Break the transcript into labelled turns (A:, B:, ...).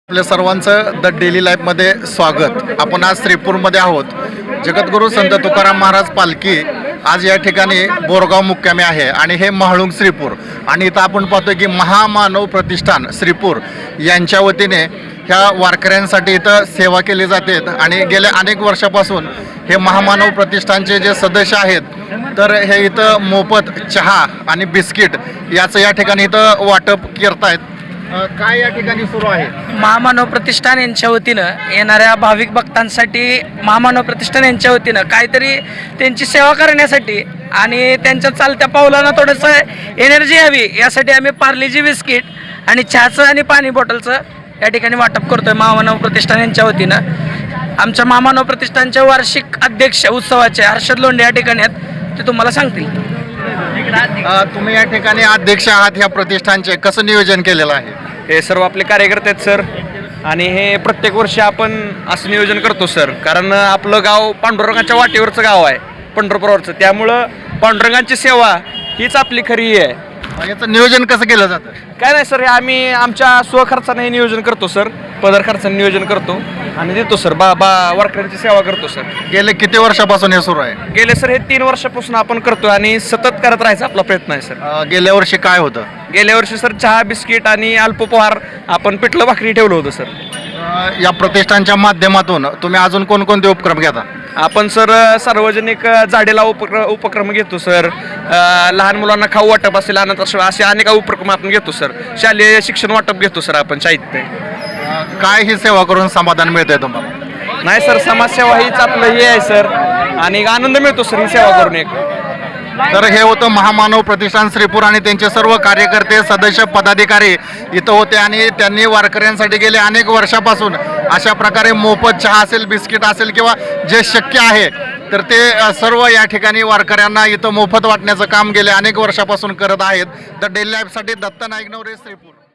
A: आपल्या सर्वांचं the daily लाईफमध्ये स्वागत। आपण आज श्रीपूरमध्ये आहोत। जगद्गुरू संत तुकाराम महाराज पालखी आज या ठिकाणी बोरगाव मुक्कामी आहे आणि हे महाळुंग श्रीपूर आणि इथं आपण पाहतोय की महामानव प्रतिष्ठान श्रीपूर यांच्या वतीने ह्या वारकऱ्यांसाठी इथं सेवा केली जाते आणि गेल्या अनेक वर्षापासून हे महामानव प्रतिष्ठानचे जे सदस्य आहेत तर हे इथं मोफत चहा आणि बिस्किट याचं या ठिकाणी इथं वाटप करतायत। काय या ठिकाणी सुरू आहे?
B: महामानव प्रतिष्ठान यांच्या वतीनं येणाऱ्या भाविक भक्तांसाठी महामानव प्रतिष्ठान यांच्या वतीनं काहीतरी त्यांची सेवा करण्यासाठी आणि त्यांच्या चालत्या पावलांना थोडंसं एनर्जी यावी यासाठी आम्ही पार्लेजी बिस्किट आणि चहाचं आणि पाणी बॉटलचं या ठिकाणी वाटप करतोय महामानव प्रतिष्ठान यांच्या वतीनं। आमच्या महामानव प्रतिष्ठानच्या वार्षिक अध्यक्ष उत्सवाचे हर्षद लोंढे या ठिकाणी आहेत, ते तुम्हाला सांगतील।
A: तुम्ही या ठिकाणी अध्यक्ष आहात ह्या प्रतिष्ठानचे, कसं नियोजन केलेलं आहे?
C: हे सर्व आपले कार्यकर्ते आहेत सर आणि हे प्रत्येक वर्षी आपण असं नियोजन करतो सर, कारण आपलं गाव पांडुरंगाच्या वाटेवरचं गाव आहे, पंढरपूरवरचं, त्यामुळं पांडुरंगाची सेवा हीच आपली खरी आहे।
A: याचं नियोजन कसं केलं जातं?
C: काय नाही सर, हे आम्ही आमच्या स्वखर्चाने हे नियोजन करतो सर, पदर खर्चाने नियोजन करतो आणि देतो सर, वारकऱ्यांची सेवा करतो सर।
A: गेले किती वर्षापासून हे सुरू आहे?
C: गेले सर हे 3 वर्षापासून आपण करतो आणि सतत करत राहायचा आपला प्रयत्न आहे सर।
A: गेल्या वर्षी काय होतं?
C: गेल्या वर्षी सर चहा बिस्किट आणि अल्पोपहार आपण पिठलं भाकरी ठेवलं होतं सर।
A: या प्रतिष्ठानच्या माध्यमातून तुम्ही अजून कोणकोणते उपक्रम घेता?
C: आपण सर सार्वजनिक झाडेला उपक्रम घेतो सर, लहान मुलांना खाऊ वाटप असेल, अनाथाश्रम असे अनेक उपक्रम आपण घेतो सर, शालेय शिक्षण वाटप घेतो सर आपण साहित्य।
A: काय ही सेवा करून समाधान मिळतंय तुम्हाला?
C: नाही सर, समाजसेवा हीच आपलं हे आहे सर आणि आनंद मिळतो सर ही सेवा करून एक।
A: तर हे होतं महामानव प्रतिष्ठान श्रीपूर आणि त्यांचे सर्व कार्यकर्ते सदस्य पदाधिकारी इथं होते आणि त्यांनी वारकऱ्यांसाठी गेले अनेक वर्षापासून अशा प्रकारे मोफत चहा असेल, बिस्किट असेल किंवा जे शक्य आहे तर ते सर्व या ठिकाणी वारकऱ्यांना इथं मोफत वाटण्याचं काम गेले अनेक वर्षापासून करत आहेत। द डेली लाईफसाठी दत्त नाईक नवरे, श्रीपूर।